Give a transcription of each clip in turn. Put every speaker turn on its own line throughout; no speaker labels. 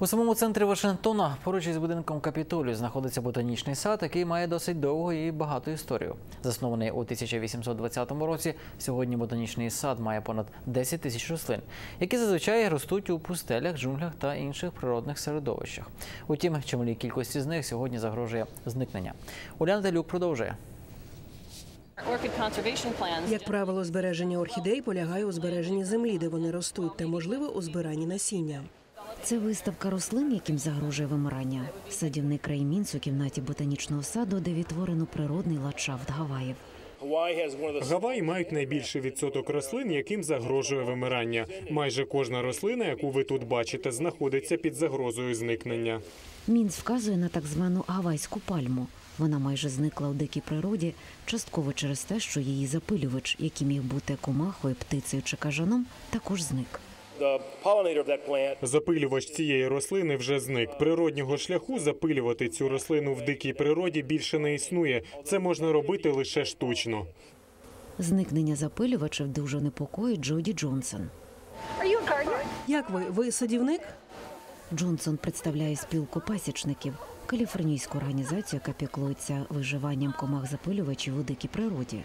У самому центрі Вашингтона, поруч із будинком Капітолію, знаходиться ботанічний сад, який має досить довгу і багату історію. Заснований у 1820 році, сьогодні ботанічний сад має понад 10 тисяч рослин, які зазвичай ростуть у пустелях, джунглях та інших природних середовищах. Утім, чималій кількості з них сьогодні загрожує зникнення. Уляна Телюк продовжує.
Як правило, збереження орхідей полягає у збереженні землі, де вони ростуть, та, можливо, у збиранні насіння.
Це виставка рослин, яким загрожує вимирання. Садівник Рей Мінц у кімнаті ботанічного саду, де відтворено природний ландшафт Гаваїв.
Гаваї мають найбільший відсоток рослин, яким загрожує вимирання. Майже кожна рослина, яку ви тут бачите, знаходиться під загрозою зникнення.
Мінц вказує на так звану гавайську пальму. Вона майже зникла у дикій природі, частково через те, що її запилювач, який міг бути комахою, птицею чи кажаном, також зник.
Запилювач цієї рослини вже зник. Природнього шляху запилювати цю рослину в дикій природі більше не існує. Це можна робити лише штучно.
Зникнення запилювачів дуже непокоїть Джоді Джонсон.
Як ви? Ви садівник?
Джонсон представляє спілку пасічників, каліфорнійську організацію, яка піклується виживанням комах-запилювачів у дикій природі.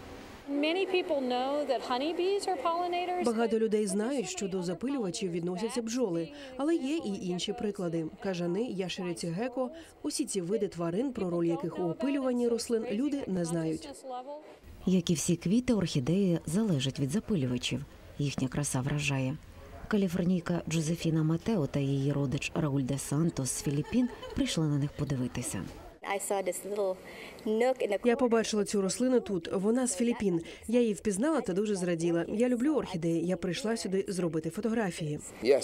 Багато людей знають, що до запилювачів відносяться бджоли, але є і інші приклади. Кажани, ящериці геко – усі ці види тварин, про роль яких у опилюванні рослин люди не знають.
Як і всі квіти, орхідеї залежать від запилювачів. Їхня краса вражає. Каліфорнійка Джозефіна Матео та її родич Рауль де Сантос з Філіппін прийшли на них подивитися.
Я побачила цю рослину тут. Вона з Філіппін. Я її впізнала та дуже зраділа. Я люблю орхідеї. Я прийшла сюди зробити фотографії.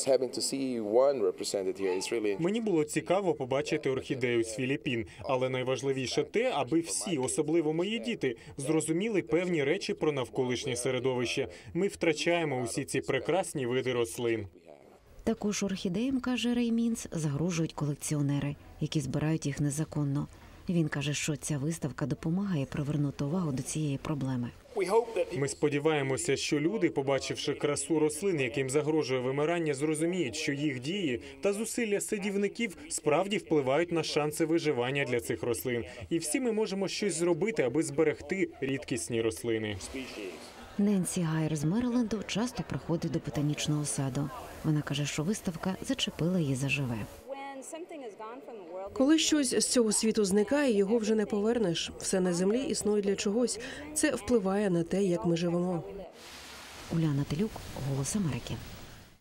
Мені було цікаво побачити орхідею з Філіппін, але найважливіше те, аби всі, особливо мої діти, зрозуміли певні речі про навколишнє середовище. Ми втрачаємо усі ці прекрасні види рослин.
Також орхідеям, каже Рей Мінц, загрожують колекціонери, які збирають їх незаконно. Він каже, що ця виставка допомагає привернути увагу до цієї проблеми.
Ми сподіваємося, що люди, побачивши красу рослин, яким загрожує вимирання, зрозуміють, що їх дії та зусилля садівників справді впливають на шанси виживання для цих рослин. І всі ми можемо щось зробити, аби зберегти рідкісні рослини.
Ненсі Гайер з Мериленду часто приходить до ботанічного саду. Вона каже, що виставка зачепила її заживе.
Коли щось з цього світу зникає, його вже не повернеш. Все на землі існує для чогось. Це впливає на те, як ми живемо.
Уляна Телюк, «Голос Америки».